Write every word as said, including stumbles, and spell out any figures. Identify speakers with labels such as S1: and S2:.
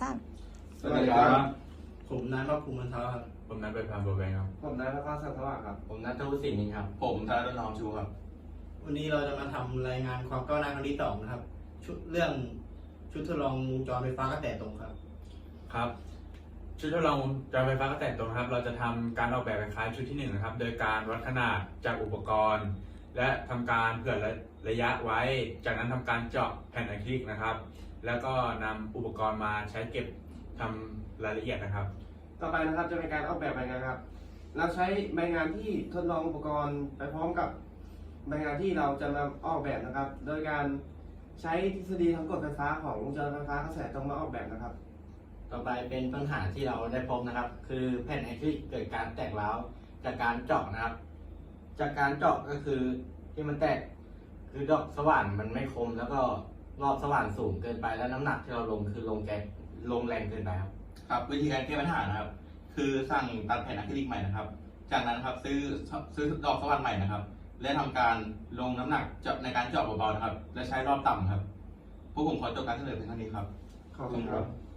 S1: สาม
S2: สวัสดีครับ
S3: ผมนายภาคภูมิมันเท้าครับ
S2: ผมนัดไปพามโบแบงครับ
S4: ผมนายพระภาคสังสว่างครับ
S5: ผมนัทวุฒิศรีนินครับ
S6: ผมธารดลน้อมชูครับ
S3: วันนี้เราจะมาทำรายงานความก้าวหน้าครั้งที่สองนะครับชุดเรื่องชุดทดลองวงจรไฟฟ้ากระแสตรงครับ
S2: ครับ ชุดทดลองจอไฟฟ้ากระแสตรงนะครับ เราจะทำการออกแบบคล้ายชุดที่หนึ่งนะครับ โดยการวัดขนาดจากอุปกรณ์ และทำการเผื่อระยะไว้ จากนั้นทำการเจาะแผ่นอะคริลิกนะครับ แล้วก็นำอุปกรณ์มาใช้เก็บทำรายละเอียดนะครับ
S4: ต่อไปนะครับจะเป็นการออกแบบใบงานครับ เราใช้ใบงานที่ทดลองอุปกรณ์ไปพร้อมกับใบงานที่เราจะมาออกแบบนะครับ โดยการใช้ทฤษฎีทางกฎไฟฟ้าของวงจรไฟฟ้ากระแสตรงมาออกแบบนะครับ
S5: ต่อไปเป็นปัญหาที่เราได้พบนะครับ คือแผ่นอะคริลิกเกิดการแตกร้าวจากการเจาะนะครับ จากการเจาะก็คือที่มันแตกคือดอกสว่านมันไม่คม แล้วก็รอบสว่านสูงเกินไปแล้วน้ำหนักที่เราลงคือลงแกลงแรงเกินไปครับ
S6: ครับวิธีการแก้ปัญหานะครับ คือสั่งตัดแผ่นอะคริลิกใหม่นะครับ จากนั้นครับซื้อซื้อดอกสว่านใหม่นะครับ และทำการลงน้ำหนักเจาะในการเจาะเบาๆนะครับ และใช้รอบต่ำครับพวกผมขอจบการเสนอเพียงเท่านี้ครับ
S4: ขอบคุณครับ